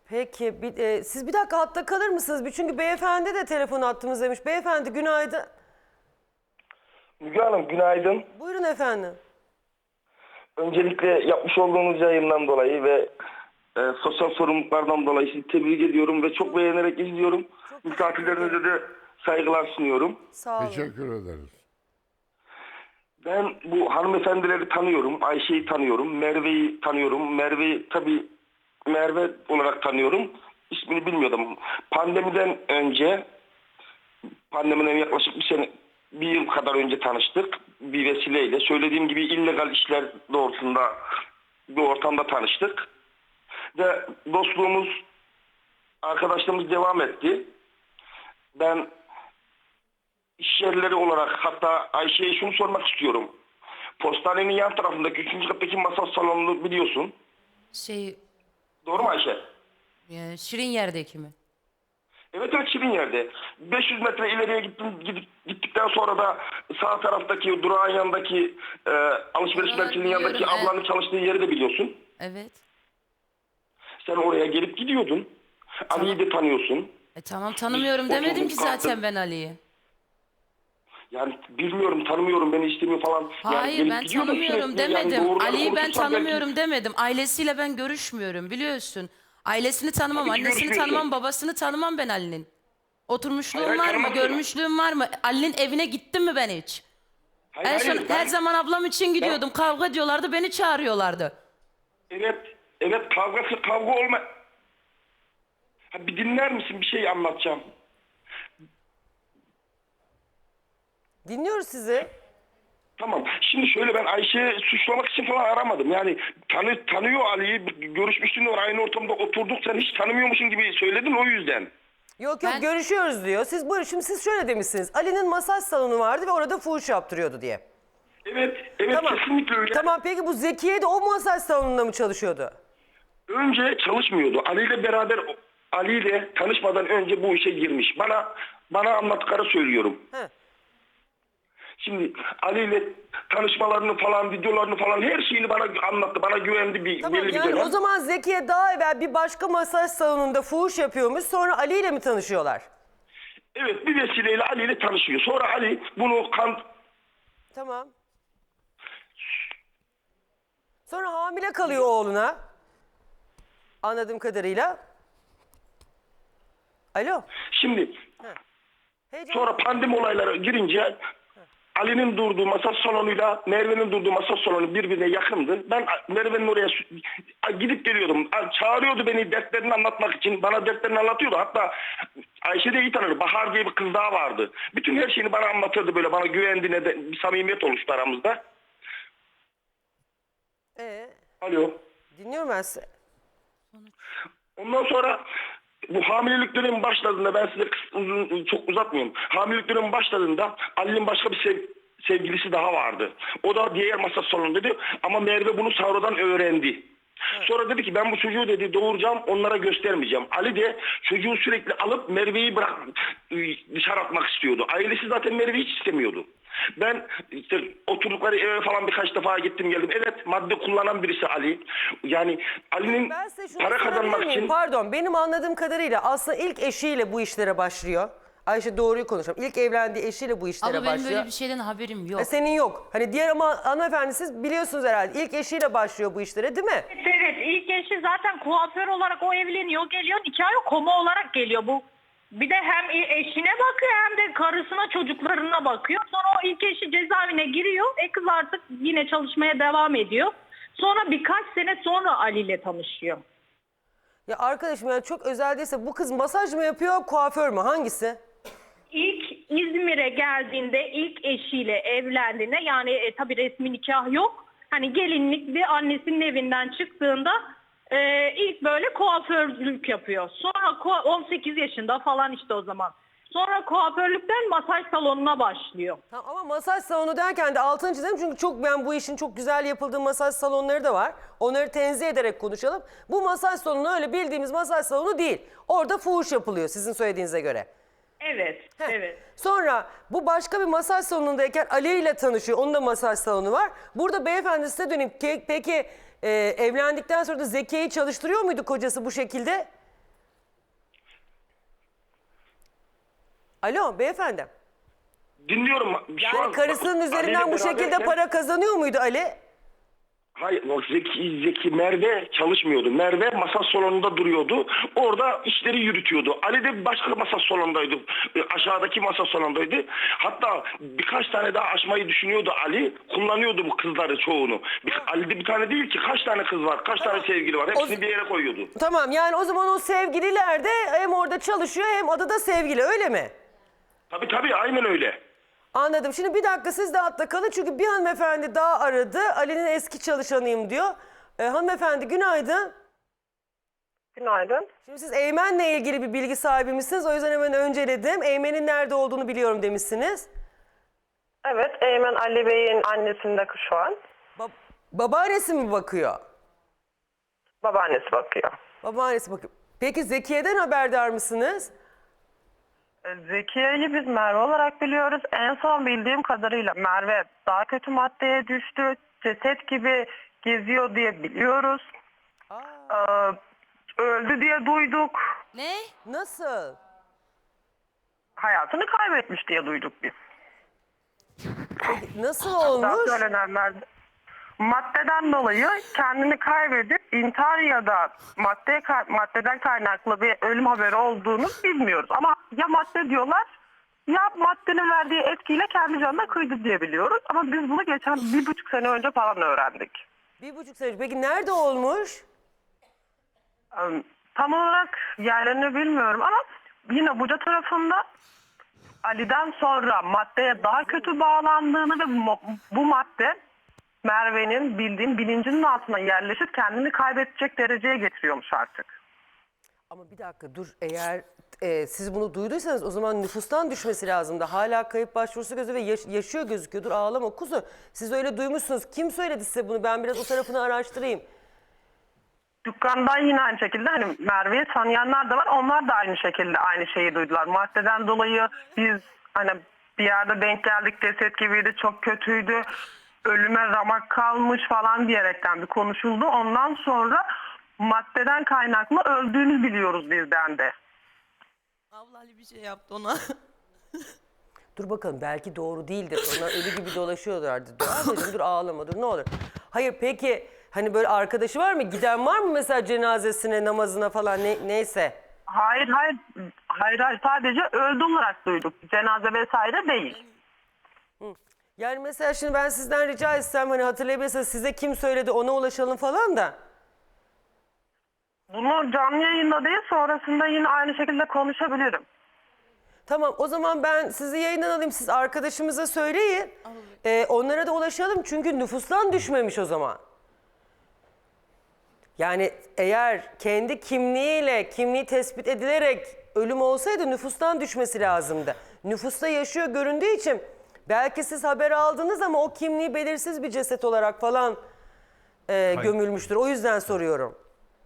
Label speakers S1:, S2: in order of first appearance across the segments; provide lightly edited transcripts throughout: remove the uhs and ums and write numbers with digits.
S1: Peki siz bir dakika hatta kalır mısınız? Çünkü beyefendi de telefon attığımızdaymış. Beyefendi günaydın.
S2: Müge Hanım günaydın.
S1: Buyurun efendim.
S2: Öncelikle yapmış olduğunuz yayından dolayı ve sosyal sorumluluklardan dolayı sizi tebrik ediyorum ve çok beğenerek izliyorum. Misafirlerinize de saygılar sunuyorum.
S1: Sağ olun.
S3: Teşekkür ederiz.
S2: Ben bu hanımefendileri tanıyorum. Ayşe'yi tanıyorum. Merve'yi tanıyorum. Merve'yi tabii Merve olarak tanıyorum. İsmini bilmiyordum. Pandemiden yaklaşık bir yıl kadar önce tanıştık. Bir vesileyle. Söylediğim gibi illegal işler doğrultusunda bir ortamda tanıştık. Ve dostluğumuz, arkadaşlığımız devam etti. Ben iş yerleri olarak hatta Ayşe'ye şunu sormak istiyorum. Postanenin yan tarafındaki 3. kattaki masa salonunu biliyorsun. Doğru mu Ayşe?
S4: Şirin yerdeki mi?
S2: Evet Şirin yerde. 500 metre ileriye gittikten sonra da sağ taraftaki durağın yanındaki alışveriş
S4: Oraları
S2: merkezinin yanındaki
S4: biliyorum,
S2: ablanın çalıştığı yeri de biliyorsun.
S4: Evet.
S2: Sen oraya gelip gidiyordun. Ali'yi de tanıyorsun.
S4: Tamam tanımıyorum demedim ki zaten ben Ali'yi.
S2: Yani bilmiyorum, tanımıyorum, beni istemiyor falan. Yani
S4: Hayır
S2: gelip
S4: ben
S2: gidiyordun
S4: tanımıyorum
S2: sürekli. Yani
S4: demedim.
S2: doğruları
S4: Ali'yi ben
S2: konuşursan
S4: tanımıyorum
S2: belki...
S4: demedim. Ailesiyle ben görüşmüyorum biliyorsun. Ailesini tanımam,
S2: Tabii ki
S4: annesini
S2: görüşmüyorsun.
S4: tanımam, babasını tanımam ben Ali'nin. Oturmuşluğum
S2: Hayır,
S4: var mı,
S2: tanımazsın.
S4: görmüşlüğüm var mı? Ali'nin evine gittim mi ben hiç?
S2: Hayır,
S4: En son
S2: ben-
S4: her zaman ablam için gidiyordum. Kavga ediyorlardı, beni çağırıyorlardı.
S2: Evet kavga olma... Ha, bir dinler misin? Bir şey anlatacağım.
S1: Dinliyoruz sizi.
S2: Tamam. Şimdi şöyle, ben Ayşe'yi suçlamak için falan aramadım. Yani tanıyor Ali'yi, görüşmüşsün, aynı ortamda oturduk, sen hiç tanımıyormuşsun gibi söyledin, o yüzden.
S1: Yok
S4: Ben-
S1: görüşüyoruz diyor. Siz buyurun şimdi siz şöyle demişsiniz. Ali'nin masaj salonu vardı ve orada fuhuş yaptırıyordu diye.
S2: Evet
S1: Tamam.
S2: kesinlikle öyle.
S1: Tamam peki bu Zekiye de o masaj salonunda mı çalışıyordu?
S2: Önce çalışmıyordu. Ali ile tanışmadan önce bu işe girmiş. Bana anlattıkları söylüyorum.
S1: He.
S2: Şimdi Ali ile tanışmalarını falan, videolarını falan, her şeyini bana anlattı. Bana güvendi belli
S1: Tamam
S2: bir
S1: yani
S2: dönem.
S1: o zaman Zekiye daha evvel bir başka masaj salonunda fuhuş yapıyormuş. Sonra Ali ile mi tanışıyorlar?
S2: Evet, bir vesileyle Ali ile tanışıyor. Sonra Ali bunu
S1: Tamam. Sonra hamile kalıyor oğluna. Anladığım kadarıyla. Alo.
S2: Şimdi
S1: Heyecan.
S2: sonra pandemi olayları girince Ali'nin durduğu masaj salonuyla Merve'nin durduğu masaj salonu birbirine yakındı. Ben Merve'nin oraya gidip geliyordum. Çağırıyordu beni dertlerini anlatmak için. Bana dertlerini anlatıyordu. Hatta Ayşe de iyi tanır. Bahar diye bir kız daha vardı. Bütün her şeyini bana anlatırdı böyle. Bana güvendiğine de bir samimiyet oluştu aramızda. Alo.
S1: Dinliyorum ben sizi.
S2: Ondan sonra bu hamilelik dönemi başladığında, ben size çok uzatmıyorum. Hamilelik dönemi başladığında Ali'nin başka bir sevgilisi daha vardı. O da diğer masa salonundaydı ama Merve bunu sonradan öğrendi. Evet. Sonra dedi ki ben bu çocuğu dedi doğuracağım, onlara göstermeyeceğim. Ali de çocuğu sürekli alıp Merve'yi dışarı atmak istiyordu. Ailesi zaten Merve'yi hiç istemiyordu. Ben işte oturdukları eve falan birkaç defa gittim geldim. Evet, madde kullanan birisi Ali. Yani Ali'nin para kazanmak için...
S1: Pardon, benim anladığım kadarıyla aslında ilk eşiyle bu işlere başlıyor. Ayşe doğruyu konuşalım. İlk evlendiği eşiyle bu işlere
S4: Ama
S1: başlıyor.
S4: benim böyle bir şeyden haberim yok.
S1: Senin yok. Hani diğer ama hanımefendi siz biliyorsunuz herhalde. İlk eşiyle başlıyor bu işlere değil mi?
S5: Evet, ilk eşi zaten kuaför olarak o evleniyor, geliyor, nikahı koma olarak geliyor bu. Bir de hem eşine bakıyor hem de karısına, çocuklarına bakıyor. Sonra o ilk eşi cezaevine giriyor. Kız artık yine çalışmaya devam ediyor. Sonra birkaç sene sonra Ali ile tanışıyor.
S1: Ya arkadaşım yani çok özel değilse bu kız masaj mı yapıyor, kuaför mü? Hangisi?
S5: İlk İzmir'e geldiğinde ilk eşiyle evlendiğinde yani tabii resmi nikah yok. Hani gelinlik bir annesinin evinden çıktığında ilk böyle kuaförlük yapıyor. Sonra 18 yaşında falan işte o zaman. Sonra kuaförlükten masaj salonuna başlıyor.
S1: Tamam, ama masaj salonu derken de altını çizelim çünkü ben bu işin çok güzel yapıldığı masaj salonları da var. Onları tenzih ederek konuşalım. Bu masaj salonu öyle bildiğimiz masaj salonu değil. Orada fuhuş yapılıyor sizin söylediğinize göre.
S5: Evet, evet.
S1: Sonra bu başka bir masaj salonundayken Ali ile tanışıyor. Onun da masaj salonu var. Burada beyefendi size döneyim. Peki evlendikten sonra da Zekiye'yi çalıştırıyor muydu kocası bu şekilde? Alo beyefendi.
S2: Dinliyorum. Şu
S1: Yani
S2: an
S1: karısının
S2: Ali
S1: üzerinden
S2: ile
S1: bu şekilde
S2: beraberken-
S1: para kazanıyor muydu Ali?
S2: Hayır, o Zeki Merve çalışmıyordu. Merve masa salonunda duruyordu. Orada işleri yürütüyordu. Ali de başka masa salonundaydı. Aşağıdaki masa salonundaydı. Hatta birkaç tane daha açmayı düşünüyordu Ali. Kullanıyordu bu kızları çoğunu. Ali'de bir tane değil ki, kaç tane kız var, kaç tane sevgili var. Hepsini bir yere koyuyordu.
S1: Tamam, yani o zaman o sevgililer de hem orada çalışıyor hem adı da sevgili, öyle mi?
S2: Tabii aynen öyle.
S1: Anladım. Şimdi bir dakika siz de hatta kalın çünkü bir hanımefendi daha aradı. Ali'nin eski çalışanıyım diyor. Hanımefendi günaydın.
S3: Günaydın.
S1: Şimdi siz Eymen'le ilgili bir bilgi sahibi misiniz? O yüzden hemen önceledim. Eymen'in nerede olduğunu biliyorum demişsiniz.
S3: Evet, Eymen Ali Bey'in annesinde şu an.
S1: Babaannesi mi bakıyor?
S3: Babaannesi bakıyor.
S1: Babaannesi bakıyor. Peki Zekiye'den haberdar mısınız?
S3: Zekiye'yi biz Merve olarak biliyoruz. En son bildiğim kadarıyla Merve daha kötü maddeye düştü. Ceset gibi geziyor diye biliyoruz. Öldü diye duyduk.
S4: Ne?
S1: Nasıl?
S3: Hayatını kaybetmiş diye duyduk biz.
S1: Peki nasıl
S3: Daha
S1: olmuş?
S3: söylenenler maddeden dolayı kendini kaybedip intihar ya da maddeden kaynaklı bir ölüm haberi olduğunu bilmiyoruz. Ama ya madde diyorlar ya maddenin verdiği etkiyle kendi canına kıydı diye biliyoruz. Ama biz bunu geçen 1,5 sene önce falan öğrendik.
S1: 1,5 sene. Peki nerede olmuş?
S3: Tam olarak yerlerini bilmiyorum ama yine Buca tarafında Ali'den sonra maddeye daha kötü bağlandığını ve bu madde Merve'nin bildiğim bilincinin altına yerleşip kendini kaybedecek dereceye getiriyormuş artık.
S1: Ama bir dakika dur, eğer siz bunu duyduysanız o zaman nüfustan düşmesi lazımdı. Hala kayıp başvurusu gözü ve yaşıyor gözüküyor. Dur ağlama kuzu. Siz öyle duymuşsunuz. Kim söyledi size bunu? Ben biraz o tarafını araştırayım.
S3: Dükkandan yine aynı şekilde hani Merve'yi tanıyanlar da var. Onlar da aynı şekilde aynı şeyi duydular. Maddeden dolayı biz hani bir yerde denk geldik, ceset gibiydi, çok kötüydü. Ölüme ramak kalmış falan diyerekten bir konuşuldu. Ondan sonra maddeden kaynaklı öldüğünü biliyoruz bizden de.
S4: Abla Ali bir şey yaptı ona.
S1: Dur bakalım, belki doğru değildir. Onlar ölü gibi dolaşıyorlardı. Dur ablacığım, dur ağlama, dur ne olur. Hayır peki hani böyle arkadaşı var mı? Giden var mı mesela cenazesine, namazına falan neyse?
S3: Hayır sadece öldü olarak duyduk. Cenaze vesaire değil.
S1: Yani mesela şimdi ben sizden rica etsem hani hatırlayabilirsiniz, size kim söyledi ona ulaşalım falan da.
S3: Bunu canlı yayında değil, sonrasında yine aynı şekilde konuşabilirim.
S1: Tamam, o zaman ben sizi yayından alayım, siz arkadaşımıza söyleyin. Onlara da ulaşalım çünkü nüfustan düşmemiş o zaman. Yani eğer kendi kimliği tespit edilerek ölüm olsaydı nüfustan düşmesi lazımdı. Nüfusta yaşıyor göründüğü için belki siz haber aldınız ama o kimliği belirsiz bir ceset olarak falan gömülmüştür. O yüzden soruyorum.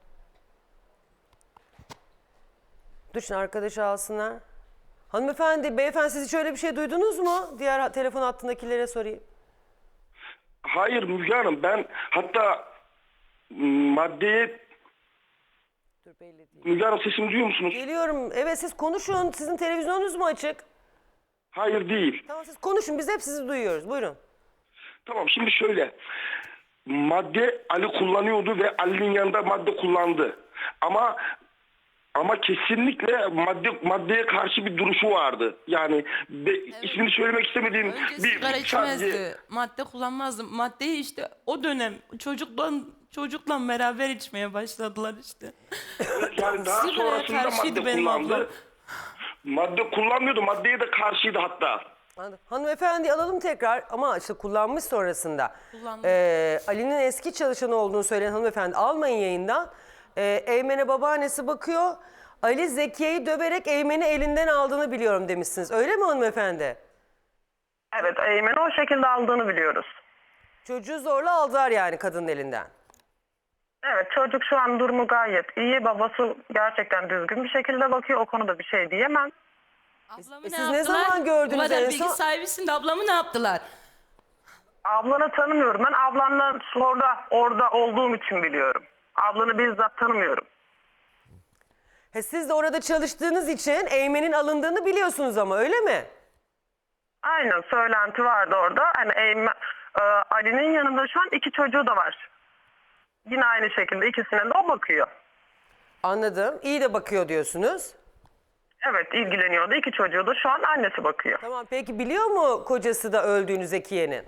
S1: Dur şimdi arkadaşı alsınlar. Hanımefendi, beyefendi siz hiç öyle bir şey duydunuz mu? Diğer telefon hattındakilere sorayım.
S2: Hayır Müge Hanım, ben hatta maddeye...
S1: Dur belli değil.
S2: Müge Hanım, sesimi duyuyor musunuz?
S1: Geliyorum. Evet siz konuşun. Sizin televizyonunuz mu açık?
S2: Hayır değil.
S1: Tamam siz konuşun. Biz hep sizi duyuyoruz. Buyurun.
S2: Tamam, şimdi şöyle. Madde Ali kullanıyordu ve Ali'nin yanında madde kullandı. Ama kesinlikle maddeye karşı bir duruşu vardı. Yani ismini söylemek istemediğim
S4: Önce sigara
S2: sadece...
S4: içmezdi. Madde kullanmazdı. Maddeyi işte o dönem çocukla beraber içmeye başladılar işte.
S2: Yani daha
S4: Sigaraya
S2: sonrasında
S4: karşıydı
S2: madde
S4: benim
S2: kullandı.
S4: ablam.
S2: Madde kullanmıyordu. Maddeye de karşıydı hatta.
S1: Anladım. Hanımefendi alalım tekrar ama işte kullanmış sonrasında.
S4: Kullandı.
S1: Ali'nin eski çalışanı olduğunu söyleyen hanımefendi almayın yayından. Eymen'e babaannesi bakıyor. Ali Zekiye'yi döverek Eymen'i elinden aldığını biliyorum demişsiniz. Öyle mi hanımefendi?
S3: Evet, Eymen'i o şekilde aldığını biliyoruz.
S1: Çocuğu zorla aldılar yani kadının elinden.
S3: Evet, çocuk şu an durumu gayet iyi. Babası gerçekten düzgün bir şekilde bakıyor. O konuda bir şey diyemem.
S4: Ablamı
S1: siz
S4: ne
S1: ne
S4: yaptılar?
S1: zaman gördünüz
S4: Bu kadar
S1: en
S4: bilgi
S1: son?
S4: sahibisin de ablamı ne yaptılar?
S3: Ablanı tanımıyorum. Ben ablanla orada olduğum için biliyorum. Ablanı bizzat tanımıyorum.
S1: Siz de orada çalıştığınız için Eymen'in alındığını biliyorsunuz ama öyle mi?
S3: Aynen, söylenti vardı orada. Hani Ali'nin yanında şu an 2 çocuğu da var. Yine aynı şekilde ikisine de o bakıyor.
S1: Anladım. İyi de bakıyor diyorsunuz.
S3: Evet, ilgileniyordu. 2 çocuğu da şu an annesi bakıyor.
S1: Tamam, peki biliyor mu kocası da öldüğünü Zekiye'nin?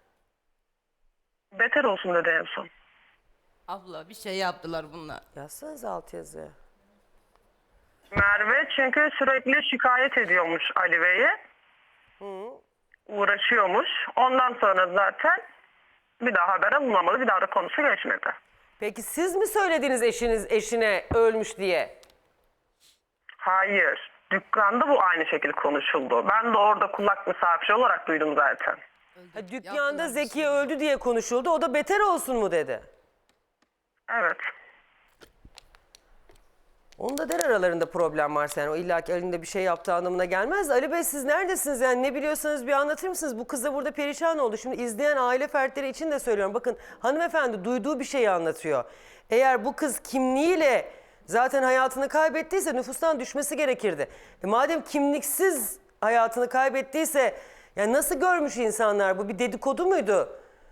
S3: Beter olsun dedi en son.
S4: Abla bir şey yaptılar bunlar.
S1: Yazsanız alt yazı.
S3: Merve çünkü sürekli şikayet ediyormuş Ali Bey'e. Uğraşıyormuş. Ondan sonra zaten bir daha haber alınamadı. Bir daha da konusu geçmedi.
S1: Peki siz mi söylediniz eşine ölmüş diye?
S3: Hayır. Dükkanda bu aynı şekilde konuşuldu. Ben de orada kulak misafiri olarak duydum zaten.
S1: Dükkanda Zekiye öldü diye konuşuldu. O da beter olsun mu dedi?
S3: Evet.
S1: Onun da der aralarında problem varsa yani o illaki elinde bir şey yaptığı anlamına gelmez. Ali Bey siz neredesiniz yani ne biliyorsanız bir anlatır mısınız? Bu kız da burada perişan oldu. Şimdi izleyen aile fertleri için de söylüyorum. Bakın hanımefendi duyduğu bir şeyi anlatıyor. Eğer bu kız kimliğiyle zaten hayatını kaybettiyse nüfustan düşmesi gerekirdi. Madem kimliksiz hayatını kaybettiyse yani nasıl görmüş insanlar bu bir dedikodu muydu?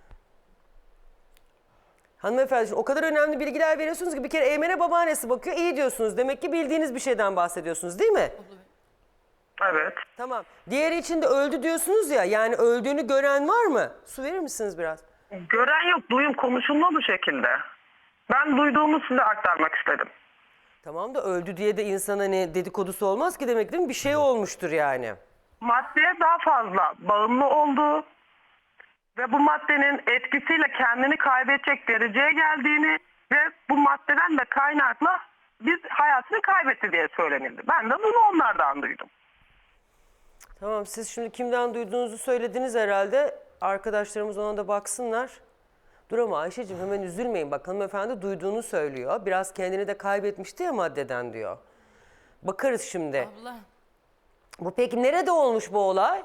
S1: Hanımefendi şimdi o kadar önemli bilgiler veriyorsunuz ki bir kere Eymen'e babaannesi bakıyor iyi diyorsunuz. Demek ki bildiğiniz bir şeyden bahsediyorsunuz değil mi?
S3: Evet.
S1: Tamam. Diğeri için de öldü diyorsunuz ya yani öldüğünü gören var mı? Su verir misiniz biraz?
S3: Gören yok. Duyum konuşulma bu şekilde. Ben duyduğumu size aktarmak istedim.
S1: Tamam da öldü diye de insana ne dedikodusu olmaz ki demek değil mi? Bir şey olmuştur yani.
S3: Maddeye daha fazla bağımlı olduğu ve bu maddenin etkisiyle kendini kaybedecek dereceye geldiğini ve bu maddeden de kaynakla biz hayatını kaybetti diye söylenildi. Ben de bunu onlardan duydum.
S1: Tamam siz şimdi kimden duyduğunuzu söylediniz herhalde. Arkadaşlarımız ona da baksınlar. Dur ama Ayşe'cim hemen üzülmeyin. Bak hanımefendi duyduğunu söylüyor. Biraz kendini de kaybetmişti ya maddeden diyor. Bakarız şimdi.
S4: Abla.
S1: Bu peki nerede olmuş bu olay?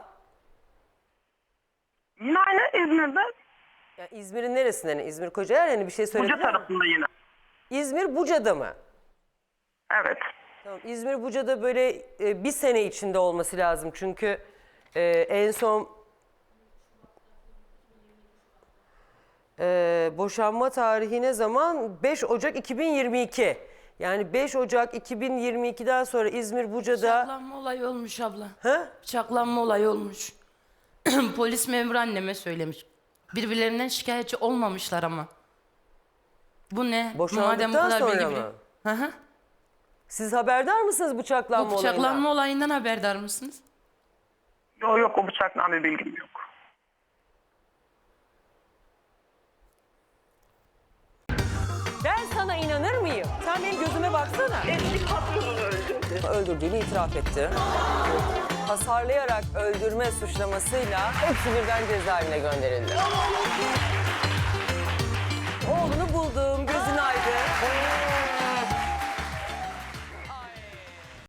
S3: Yine aynı İzmir'de,
S1: Yani İzmir'in neresinden? İzmir Kocaeli hani bir şey
S3: Buca
S1: söylediler mi?
S3: tarafında yine.
S1: İzmir Buca'da mı?
S3: Evet.
S1: Tamam, İzmir Buca'da böyle bir sene içinde olması lazım. Çünkü en son boşanma tarihi ne zaman? 5 Ocak 2022. Yani 5 Ocak 2022'den sonra İzmir Buca'da...
S4: Bıçaklanma olayı olmuş abla.
S1: Ha?
S4: Bıçaklanma olayı olmuş. Polis memuru anneme söylemiş. Birbirlerinden şikayetçi olmamışlar ama. Bu ne?
S1: Boşandıktan sonra mı?
S4: Hı hı.
S1: Siz haberdar mısınız bıçaklanma
S4: Bu bıçaklanma
S1: olayından?
S4: olayından haberdar mısınız?
S3: Yok o bıçakla bir bilgim yok.
S1: Ben sana inanır mıyım? Sen benim gözüme baksana.
S3: Eski patronunu öldürdü.
S1: Öldürdüğünü itiraf etti. Hasarlayarak öldürme suçlamasıyla hepsi birden cezaevine gönderildi. Oğlunu